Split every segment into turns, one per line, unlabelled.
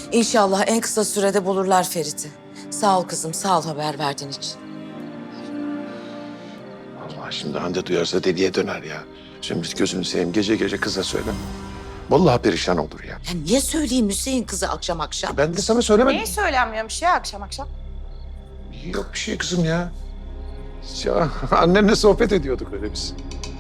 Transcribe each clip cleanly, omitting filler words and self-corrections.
İnşallah en kısa sürede bulurlar Ferit'i. Sağ ol kızım, sağ ol haber verdiğin için.
Allah şimdi Hande duyarsa deliye döner ya. Şimdi gözünü seveyim gece gece kıza söyle. Vallahi perişan olur ya.
Ya niye söyleyeyim Hüseyin kızı akşam akşam?
Ben de sana söylemedim.
Niye söylenmiyormuş ya akşam akşam?
Yok bir şey kızım ya. Ya annenle sohbet ediyorduk öyle biz.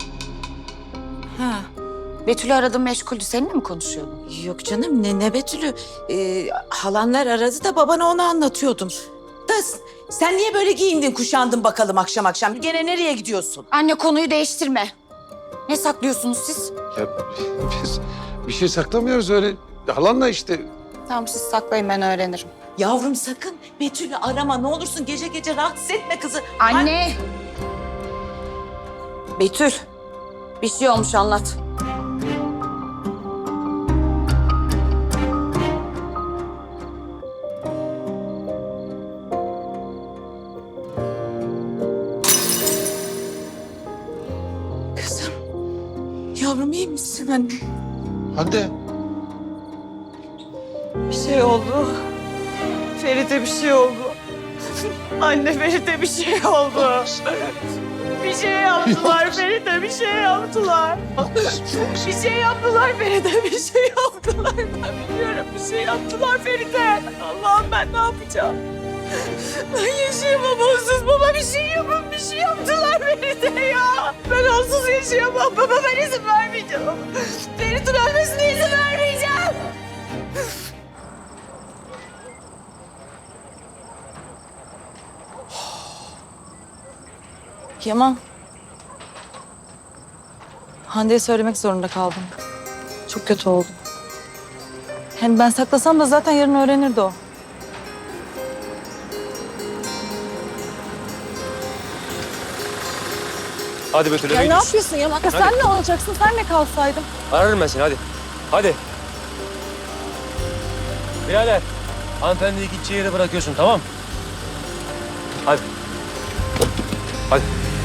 Ha. Betül'ü aradım meşguldü. Seninle mi konuşuyordun?
Yok canım ne Betül'ü. Halanlar aradı da babana onu anlatıyordum. Da sen niye böyle giyindin kuşandın bakalım akşam akşam? Gene nereye gidiyorsun?
Anne konuyu değiştirme. Ne saklıyorsunuz siz?
Ya biz bir şey saklamıyoruz öyle. Halanla işte.
Tamam siz saklayın ben öğrenirim.
Yavrum sakın Betül'ü arama ne olursun gece gece rahatsız etme kızı.
Anne! Betül, bir şey olmuş anlat.
Kızım, yavrum iyi misin anne?
Hande.
Bir şey oldu. Ferit'e bir şey oldu. Anne Ferit'e bir şey oldu. Bir şey yaptılar Ferit'e bir şey yaptılar. Bir şey yaptılar Ferit'e bir şey yaptılar. Ben biliyorum bir şey yaptılar Ferit'e. Allah'ım ben ne yapacağım? Ben yaşayamam onsuz baba bir şey yapın bir şey yaptılar Ferit'e ya. Ben onsuz yaşayamam baba ben izin vermeyeceğim. Ferit'in ölmesine izin vermeyeceğim.
Yaman. Hande'ye söylemek zorunda kaldım. Çok kötü oldu. Hem ben saklasam da zaten yarın öğrenirdi o.
Hadi Betül
Ya
eve
ne
gidiyoruz.
yapıyorsun Yaman? Ya sen ne olacaksın? Sen ne kalsaydın?
Ararım ben seni hadi. Hadi. Birader. Hanımefendiyi gideceği yere bırakıyorsun tamam mı? Hadi. Hadi.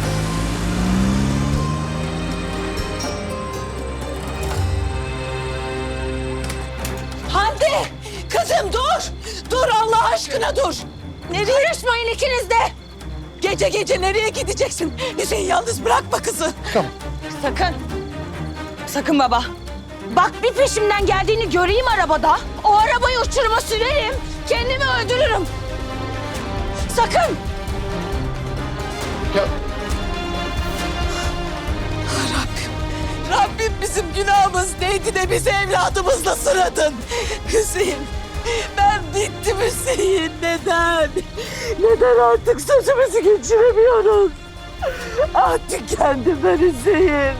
Hande! Kızım dur! Dur Allah aşkına dur! Nereye? Karışmayın ikiniz de! Gece gece nereye gideceksin? Hüseyin yalnız bırakma kızı.
Sakın. Sakın baba. Bak bir peşimden geldiğini göreyim arabada. O arabayı uçuruma sürerim. Kendimi öldürürüm. Sakın.
Rabbim bizim günahımız neydi de bizi evladımızla sıradın. Hüseyin, ben bittim Hüseyin. Neden? Neden artık sözümüzü geçiremiyoruz? Ah tükendim ben Hüseyin.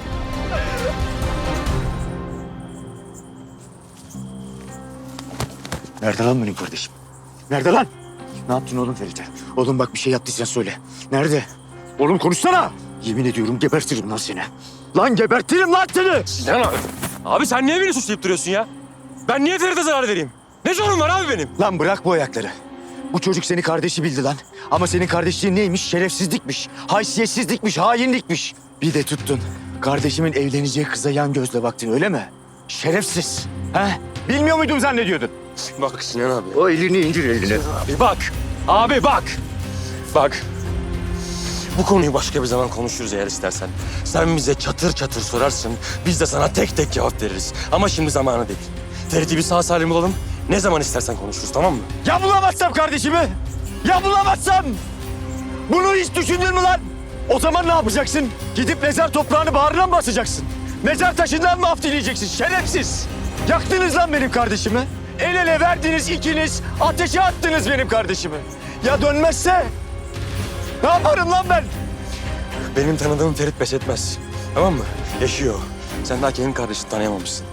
Nerede lan benim kardeşim? Nerede lan? Ne yaptın oğlum Ferit'e? Oğlum bak bir şey yaptıysan söyle. Nerede? Oğlum konuşsana. Yemin ediyorum gebertirim lan seni. Lan gebertirim lan seni.
Sinan abi. Abi sen niye beni suçlayıp duruyorsun ya? Ben niye Ferit'e zarar vereyim? Ne sorun var abi benim?
Lan bırak bu ayakları. Bu çocuk seni kardeşi bildi lan. Ama senin kardeşliğin neymiş? Şerefsizlikmiş, haysiyetsizlikmiş, hainlikmiş. Bir de tuttun. Kardeşimin evleneceği kıza yan gözle baktın öyle mi? Şerefsiz. He? Bilmiyor muydum zannediyordun?
Bak Sinan abi.
O elini indir elini.
Abi bak. Abi bak. Bak. Bu konuyu başka bir zaman konuşuruz eğer istersen. Sen bize çatır çatır sorarsın. Biz de sana tek tek cevap veririz. Ama şimdi zamanı değil. Ferit'i bir sağ salim bulalım. Ne zaman istersen konuşuruz tamam mı?
Ya bulamazsam kardeşimi? Ya bulamazsam? Bunu hiç düşündün mü lan? O zaman ne yapacaksın? Gidip mezar toprağını bağrına mı basacaksın? Mezar taşından mı af dileyeceksin? Şerefsiz! Yaktınız lan benim kardeşimi. El ele verdiniz ikiniz. Ateşe attınız benim kardeşimi. Ya dönmezse? Ne yaparım lan ben?
Benim tanıdığım Ferit pes etmez. Tamam mı? Yaşıyor. Sen daha kendi kardeşini tanıyamamışsın.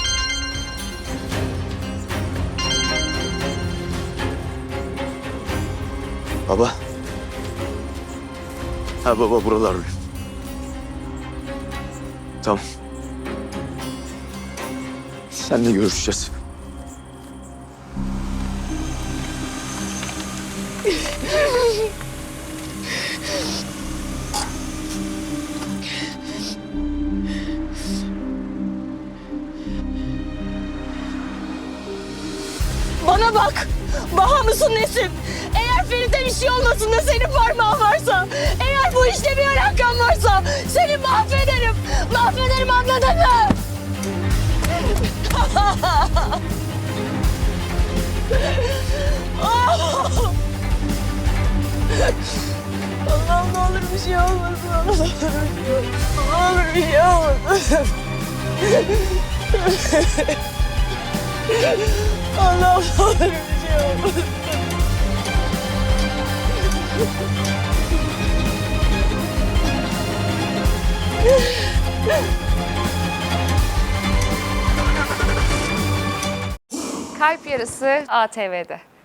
Baba. Ha baba buralar. Tamam. Seninle görüşeceğiz.
Bana bak. Baha mısın nesin? Eğer Feride bir şey olmasın da senin parmağın varsa, eğer bu işte bir alakan varsa seni mahvederim. Mahvederim, anladın mı? Allah'ım ne olur bir şey olmasın. Ne olur bir şey olmasın. Allah'ım ne olur bir şey olmasın.
Kalp Yarısı ATV'de.